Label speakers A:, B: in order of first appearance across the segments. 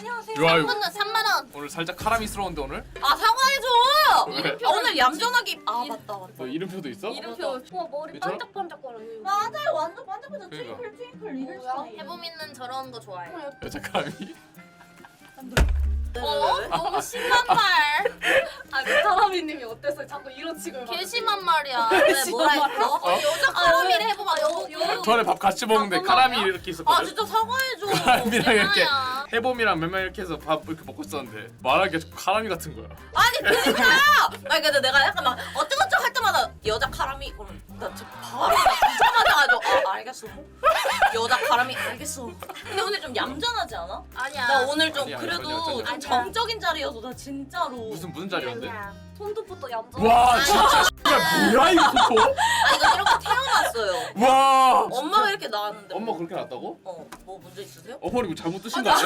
A: 안녕하세요.
B: 좋아요.
A: 3만 원.
B: 오늘 살짝 카라미스러운데 오늘?
A: 아 사과해줘.
B: 왜?
A: 아, 오늘 얌전하게. 아 맞다.
B: 너 이름표도 있어?
C: 이름표. 와 머리
B: 괜찮아?
C: 반짝반짝거려.
A: 맞아요. 완전 반짝반짝
B: 그러니까.
A: 트윙클 이럴
C: 뭐야?
A: 스타일. 해보미는 저런 거 좋아해.
B: 여자 카라미?
A: 너무 심한 말.
C: 아 사람이님이 어땠어요? 자꾸 이런 식을.
A: 개 심한 말이야. 왜 뭐라 했어?
B: 어?
A: 여자 카라미를 해보마.
B: 전에 밥 같이 먹는데
A: 잠깐만요.
B: 카라미 이렇게 있었거든?
A: 아 진짜 사과해줘.
B: 카라미랑 이렇게
A: 대단하야.
B: 해봄이랑 몇 명 이렇게 해서 밥 이렇게 먹고 있었는데 말하기가 좀 카라미 같은 거야.
A: 아니 그니까. 아니 근데 내가 약간 막 어쩌고저쩌고 할 때마다 여자 카라미 그러면 나 진짜 바로 붙자마자가지고 알겠어. 여자 카라미 알겠어. 근데 오늘 좀 얌전하지 않아? 아니야. 나 오늘 좀
B: 아니야,
A: 그래도
B: 전혀.
A: 좀 정적인 자리여서 나 진짜로.
B: 무슨 자리였는데?
C: 손톱부터 얌전.
B: 와 진짜 씨발 뭐야 이거 또?
A: 아 이거 이렇게 태어났어요.
B: 와
A: 엄마가 이렇게 나왔는데.
B: 엄마 그렇게 났다고?
A: 뭐 문제 있으세요?
B: 어머니 뭐 잘못 드신 거 아니야?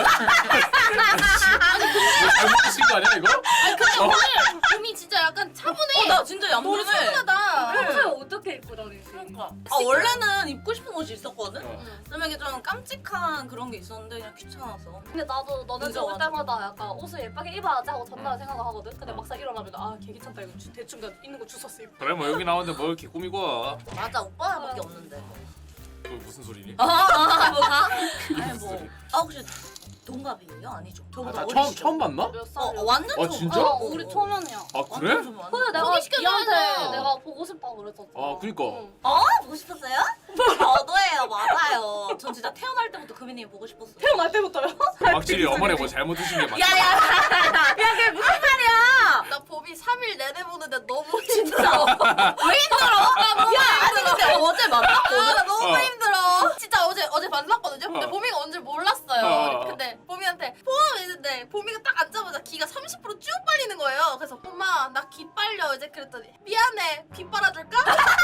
B: 뭐 잘못 드신 거 아니야 이거?
A: 근데 오늘 봄이 진짜 약간 차분해. 나 진짜 얌전해. 차분하다.
C: 평소에 어떻게 입고 다니세요?
A: 그러니까. 아 원래는 입고 싶은 옷이 있었거든.
B: 어.
A: 그러면 이게 좀 깜찍한 그런 게 있었는데 그냥 귀찮아서.
C: 근데 나도 너네
A: 진짜
C: 집 올
A: 완전.
C: 때마다 약간 옷을 예쁘게 입어야지 하고 전날 생각을 하거든. 근데 막상 일어나면 아 개 귀찮다 이거 대충 그냥 있는 거 주웠어 입고.
B: 그래 뭐 여기 나왔는데 뭘 이렇게 꾸미고 와.
A: 맞아 오빠밖에 없는데.
B: 그 무슨 소리니?
A: 뭐가?
B: 그게
A: 아니
B: 무슨
A: 뭐.
B: 소리?
A: 아 혹시 동갑이에요? 아니죠?
B: 아,
A: 저보다
B: 나
A: 어리시죠?
B: 처음 봤나?
C: 몇 살이야?
A: 완전
B: 아,
A: 좀.
B: 진짜?
C: 우리 초면이야.
B: 아 그래?
C: 근데 내가
A: 소개시켜줘야죠.
C: 니한테 내가 보고 싶다고 그랬었잖아.
B: 아, 그니까.
C: 응.
A: 보고 싶었어요? 저도예요 맞아요. 전 진짜 태어날 때부터 금이님 보고 싶었어요.
C: 태어날 때부터요?
B: 확실히 어머니 뭐 잘못 드신 게 맞아.
A: 야야 그게 무슨 말이야? 나 봄이 3일 내내 보는데 너무 힘들어. 왜 힘들어? 야 아니 근데 어제 만났거든. 너무
B: 어.
A: 힘들어. 진짜 어제 만났거든요. 근데
B: 어.
A: 봄이가 언제 몰랐어요.
B: 어.
A: 근데 봄이한테 봄 했는데 봄이가 딱 앉자마자 기가 30%쭉 빨리는 거예요. 그래서 봄아 나 기 빨려 이제 그랬더니 미안해 비 빨아줄까?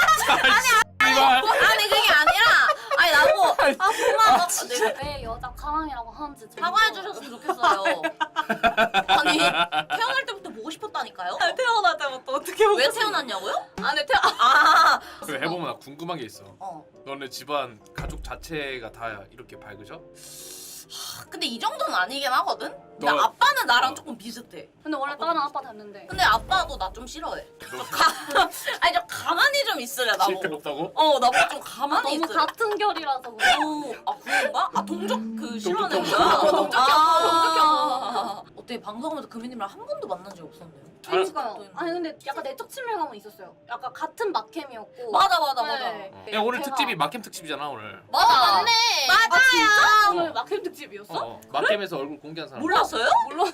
B: 이발.
A: 아니 그게 아니라 아니 나보고 봄아 너 내가
C: 왜 여자 가랑이라고 하는지 좀
A: 사과해 주셨으면 좋겠어요. 아니 태어날 때부터 보고 싶었다니까요.
C: 태어날 때부터 어떻게
A: 왜 태어났냐고요?
C: 아니
B: 그래 해보면 나 궁금한 게 있어.
A: 어.
B: 너네 집안 가족 자체가 다 이렇게 밝으셔?
A: 근데 이 정도는 아니긴 하거든. 근데
B: 너-
A: 아빠는 나랑
B: 어.
A: 조금 비슷해.
C: 근데 원래 다른 아빠 닮는데.
A: 근데 아빠도 나 좀 싫어해. 아니 좀 가만히 좀 있으래 나보고.
B: 시끄럽다고?
A: 나보고 좀 가만히
C: 너무
A: 있으래.
C: 같은 결이라서 그래.
A: 아 그런가? 아 동족 그 싫어하는
B: 동족
A: 거야?
B: 혐오.
A: 동족
C: 혐오.
A: 어떻게 방송하면서 금이님이랑 한 번도 만난 적 없었네요.
C: 그러니까요. 아니 근데 약간 내적 친밀감은 있었어요. 약간 같은 막캠이었고.
A: 맞아.
C: 네.
B: 야 오늘
C: 제가-
B: 특집이 막캠 특집이잖아 오늘.
A: 맞네.
C: 아 진짜?
B: 어.
C: 오늘 막캠 특집이었어?
B: 막캠에서 얼굴 공개한 사람.
A: 몰랐어요?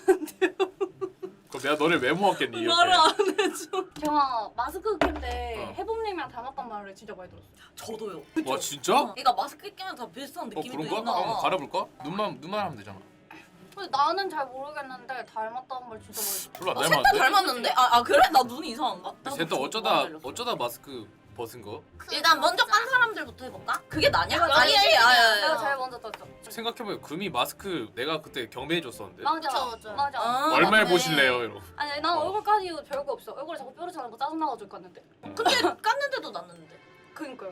B: 그럼 내가 너를 왜 모았겠니 이렇게.
C: 말을 안 해줘. 제가 마스크 낄때
B: 어.
C: 해봄님이랑 닮았단 말을 진짜 많이 들었어요.
A: 저도요.
B: 와 진짜?
A: 그러니까 마스크 끼면 다 비슷한 느낌이
B: 그런가?
A: 드나?
B: 한번 갈아볼까? 눈만 하면 되잖아.
C: 근데 나는 잘 모르겠는데 닮았다는 말 진짜 많이 들었어.
B: 별로 안
A: 셋다
B: 닮았는데?
A: 닮았는데? 아 그래? 나 눈이 이상한가?
B: 셋다 어쩌다 마스크 벗은 거?
A: 일단 먼저 깐 사람들부터 해볼까? 그게 나냐?
C: 내가
A: 아니지.
C: 내가 제일 먼저 떴죠.
B: 생각해보면 금이 마스크 내가 그때 경매해줬었는데
C: 맞아.
A: 그쵸.
C: 맞아.
B: 얼마에
A: 맞네.
B: 보실래요? 이러고.
C: 아니 난
B: 어.
C: 얼굴 까지 별거 없어. 얼굴에 자꾸 뾰루지 나고 짜증나가지고 깠는데.
A: 근데 깠는데도 났는데.
C: 그니까요.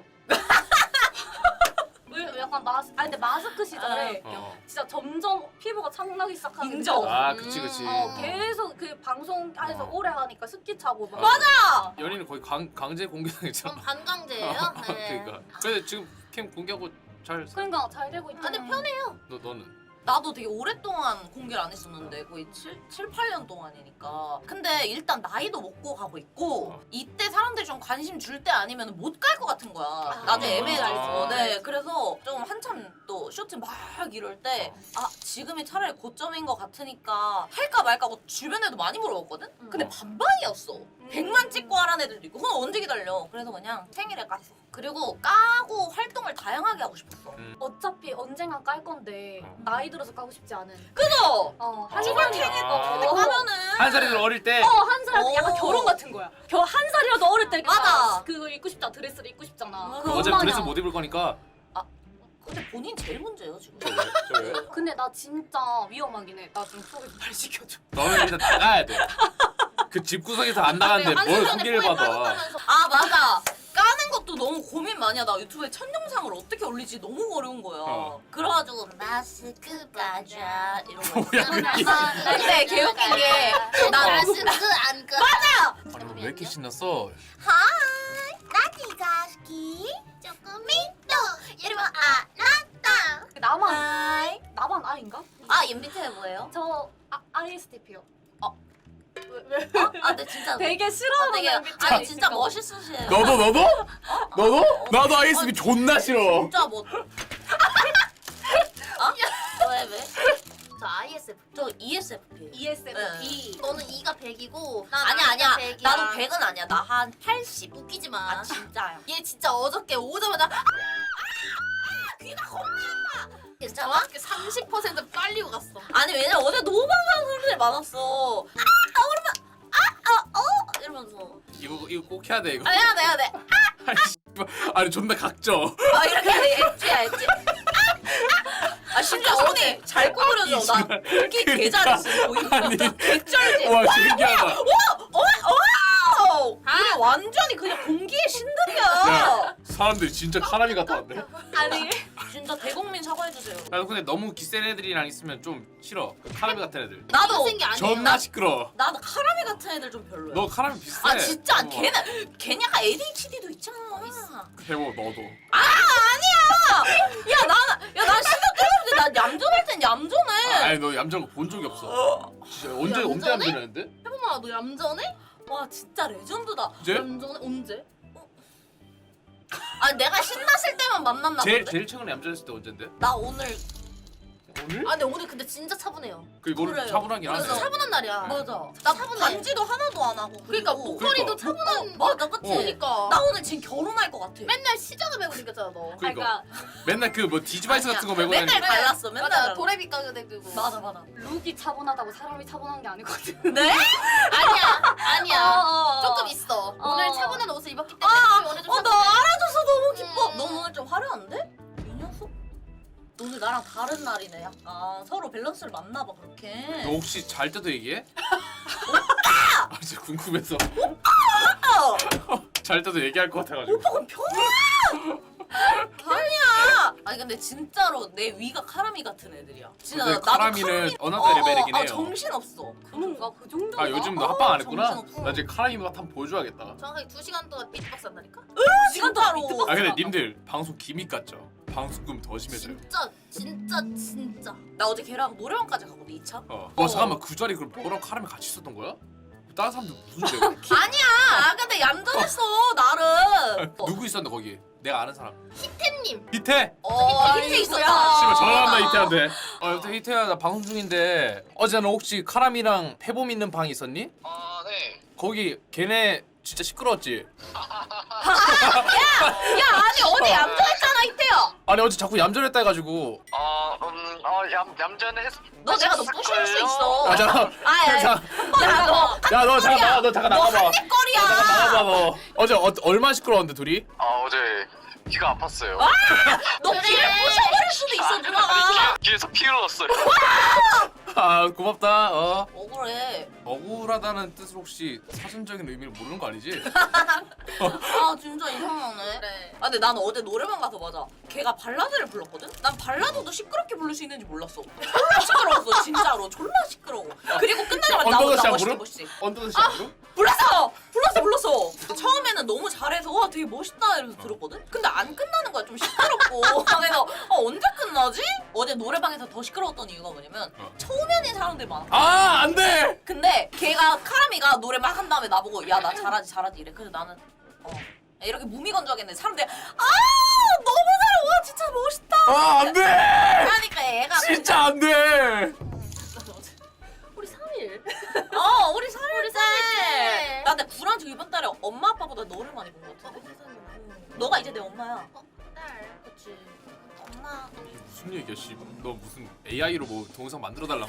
C: 왜 약간 아니 근데 마스크 시절에
B: 어.
C: 진짜 점점 피부가 창나기 시작하는.
A: 인정.
B: 아 그치.
C: 계속 그 방송에서
B: 어.
C: 오래 하니까 습기 차고 막.
A: 맞아.
B: 연인은 거의 강제 공개당했잖아.
A: 반강제예요?
B: 그러니까. 근데 지금 캠 공개하고 잘.
C: 그러니까 잘 되고 있잖아.
A: 근데 편해요.
B: 너는?
A: 나도 되게 오랫동안 공개를 안 했었는데 거의 7, 8년 동안이니까. 근데 일단 나이도 먹고 가고 있고 이때 사람들이 좀 관심 줄 때 아니면 못 갈 것 같은 거야. 나도 애매해가지고. 네, 그래서 좀 한참 또 쇼트 막 이럴 때 지금이 차라리 고점인 것 같으니까 할까 말까 하고 주변에도 많이 물어봤거든? 근데 반반이었어. 100만 찍고 하라는 애들도 있고 그건 언제 기다려. 그래서 그냥 생일에 깠어. 그리고 까고 활동을 다양하게 하고 싶었어.
C: 어차피 언젠간 깔 건데 나이 들어서 까고 싶지 않은.
A: 그죠?
C: 한
A: 죽을
C: 살이야.
A: 탱이고 까면은
B: 한 살이들 어릴 때.
C: 한 살 약간
A: 어.
C: 결혼 같은 거야. 한 살이라도 어릴 때
A: 맞아.
C: 그거 입고 싶잖아. 드레스를 입고 싶잖아.
A: 맞아.
C: 그
B: 어제
C: 엄마냐.
B: 드레스 못 입을 거니까.
A: 근데 본인 제일 문제예요 지금.
B: 저 왜?
C: 근데 나 진짜 위험하긴 해. 나 좀 소개 좀 잘 시켜줘.
B: 너는 일단 나가야 돼. 그 집구석에서 안 나가는데 뭘 소개를 받아.
A: 맞아. 까는 것도 그래가지고 너무 고민 많이 하다가 유튜브에 첫 영상을 어떻게 올리지 너무 어려운 거야. 그래가지고 마스크 가자 이러고
B: 뭐야, 이게.
A: 근데 개웃긴 게 나
D: 마스크 안 까.
A: 맞아.
B: 아니 왜 이렇게 신났어?
D: 하이, 나티가 스키 조금이또 여러분 아나타.
C: 나만 I인가?
A: 아 MBTI 뭐예요?
C: 저 ISTP요.
A: 아 근데 진짜
C: 되게 싫어하는
A: 되게
C: MBTI
A: 아니 진짜
C: 있을까 봐.
A: 멋있으시네요.
B: 너도? 나도 ISB 존나 싫어.
A: 진짜 뭐? 왜?
D: 저 ISF.
A: 저 ESFP.
C: ESFP.
D: 너는 2가 100이고
A: 아니야.
D: 100이야.
A: 나도 100은 아니야. 나 한 80.
D: 웃기지 마.
A: 아 진짜야.
D: 얘 진짜 어저께 오자마자
A: 귀가 겁나. 괜찮아?
D: 정확히 30% 빨리고 갔어.
A: 아니 왜냐면 어제 너무 반가운 사람들이 많았어. 이러면서.
B: 이거 꼭 해야 돼 이거.
A: 아 해야 돼.
B: 아니, 씨발. 아니 존나 각져.
A: 아 이렇게 엣지. 아 심지어 어제 잘 구부려져. 나 공기 개잘했어. 보인다.
B: 아니.
A: 개쩔지.
B: 와 신기하다.
A: 우리 완전히 그냥 공기의 신들이야.
B: 야 사람들이 진짜 카라미 같아 왔네.
C: 아니
A: 진짜 대국민 사과해주세요.
B: 나도 근데 너무 기센 애들이랑 있으면 좀 싫어. 카라미 같은 애들.
A: 나도
D: 생기 아니야.
B: 존나 시끄러.
A: 나도 카라미 같은 애들 좀 별로야.
B: 너 카라미 비슷해.
A: 아 진짜
B: 어.
A: 걔는 약간 ADHD도 있잖아.
B: 해보 너도.
A: 난 신경 때문에 난 얌전할 땐 얌전해.
B: 아니 너 얌전한 거 본 적이 없어. 진짜 언제
D: 얌전해?
B: 얌전했는데?
D: 해보마 너 얌전해?
A: 와 진짜 레전드다.
B: 이제?
D: 얌전해? 언제?
A: 아 내가 신났을 때만 만났나 본데.
B: 제일 최근에 얌전했을 때 언젠데?
A: 나 오늘
B: 오늘?
D: 아 근데 오늘 근데 진짜 차분해요.
B: 그리고
A: 그래요.
B: 차분하긴 하네.
D: 그래서 차분한 날이야.
A: 맞아. 나
D: 차분해.
A: 반지도 하나도 안 하고.
D: 그러니까
A: 그리고
D: 목걸이도
B: 그러니까.
D: 차분한.
A: 맞아 그치.
D: 그러니까.
A: 나 오늘 지금 결혼할 것 같아.
D: 맨날 시장을 메고 생겼잖아 너.
B: 그러니까 맨날 그 뭐 디지바이스 같은 거 메고
A: 맨날
B: 다니는.
A: 발랐어. 맨날
D: 맞아
A: 발랐어.
D: 도레미 가게 되고.
A: 맞아.
C: 룩이 차분하다고 사람이 차분한 게 아니거든.
A: 네?
D: 아니야. 조금 있어. 오늘 차분한 옷을 입었기 때문에 오늘 좀
A: 나
D: 차분해.
A: 알아줘서 너무 기뻐.
D: 음.
A: 넌 오늘 좀 화려한데? 이 녀석? 오늘 나랑 다른 날이네. 약간 서로 밸런스를 맞나 봐 그렇게.
B: 너 혹시 잘 때도 얘기해? 아 진짜 궁금해서. 잘 때도 얘기할 것 같아가지고.
A: 그건 편이야. 아니 근데 진짜로 내 위가 카라미 같은 애들이야. 진짜
B: 근데
A: 나도
B: 카라미는 어나더 레벨이긴 해요.
A: 정신 없어.
C: 그런가 그 정도?
B: 아 요즘 너 합방 안 했구나?
A: 정신없어.
B: 나 이제 카라미 맛 한번 보여줘야겠다.
D: 정확하게 2시간 동안 비트박스 한다니까?
A: 진짜로.
B: 아 근데 님들 방송 기믹 같죠? 방송금 더 심해져요.
D: 진짜.
A: 나 어제 걔랑 노래방까지 가거든 2차.
B: 와 잠깐만 그 자리 그럼 너랑 카라미 같이 있었던 거야? 다른 사람들 무슨 죄?
A: 아니야. 근데 얌전했어 나름.
B: 누구 있었는데 거기? 내가 아는 사람.
D: 템님.
B: 히태!
A: 히트 있었다.
B: 씨발 전화한다 히태한테. 여보세요 히태야 나 방송 중인데 어제 너 혹시 카라미랑 태봄 있는 방 있었니?
E: 아, 네.
B: 거기 걔네 진짜 시끄러웠지?
A: 야 아니 어제 얌전했잖아 히트야.
B: 아니 어제 자꾸 얌전했다 해가지고
E: 얌전했.
A: 너 내가 너 부실 수 있어.
B: 아 잠깐 야너 잠깐 나가봐.
A: 햇거리야.
B: 나가봐 너. 어제 얼마 시끄러웠는데 둘이?
E: 어제 귀가 아팠어요.
A: 너 귀를 부셔버릴 수도 있어 누나가.
E: 귀에서 피 흘렀어요.
B: 아 고맙다.
A: 억울해.
B: 억울하다는 뜻을 혹시 사전적인 의미를 모르는 거 아니지?
A: 아 진짜 이상하네.
D: 그래.
A: 아 근데 나는 어제 노래방 가서 맞아. 걔가 발라드를 불렀거든? 난 발라드도 시끄럽게 부를 수 있는지 몰랐어. 졸라 시끄러웠어 진짜로. 졸라 시끄러워. 그리고 끝나자마자
B: 언더더
A: 나
B: 샤브로?
A: 멋있지.
B: 언더더 샤브로?
A: 불렀어. 처음에는 너무 잘해서 와 되게 멋있다 이러면서 들었거든? 근데 안 끝나는 거야 좀 시끄럽고. 그래서 언제 끝나지? 어제 노래방에서 더 시끄러웠던 이유가 뭐냐면 초면인 사람들 많아.
B: 아 안돼!
A: 근데 걔가 카라미가 노래 막 한 다음에 나보고 야 나 잘하지 이래. 그래서 나는 이렇게 무미건조하겠네. 사람들이 너무 잘해. 와 진짜 멋있다.
B: 아 안돼!
A: 그러니까 얘가
B: 진짜 안돼!
D: 우리 3일.
A: 우리 3일째. 나 근데 불안지 이번 달에 엄마 아빠보다 너를 많이 본 것 같은데. 너가 이제 내 엄마야.
D: 딸.
A: 그치. 엄마.
B: 무슨 얘기야 씨. 너 무슨 AI로 뭐 동영상 만들어 달라고?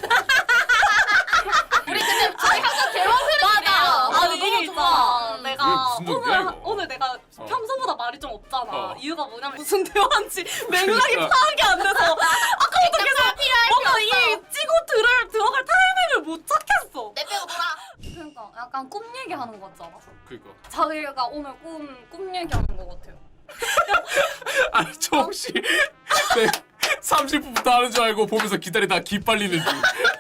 D: 우리 근데 저희 항상 대화 흐름이래요.
A: 아니 너무 좋아.
B: 왜
C: 내가
B: 무슨 얘기야 이거?
C: 오늘 내가 평소보다 말이 좀 없잖아.
B: 어.
C: 이유가 뭐냐면 무슨 대화인지 맥락이
B: 그러니까.
C: 파악이 안 돼서 아까부터 계속 뭔가 이 찍고 들어갈 타이밍을 못 찾겠어.
D: 내 빼고 놀아.
C: 그러니까 약간 꿈 얘기하는 거 같잖아.
B: 그니까
C: 자기가 오늘 꿈 얘기하는 거 같아요.
B: 아니 저 혹시 네, 30분부터 하는 줄 알고 보면서 기다리다 기 빨리는 줄.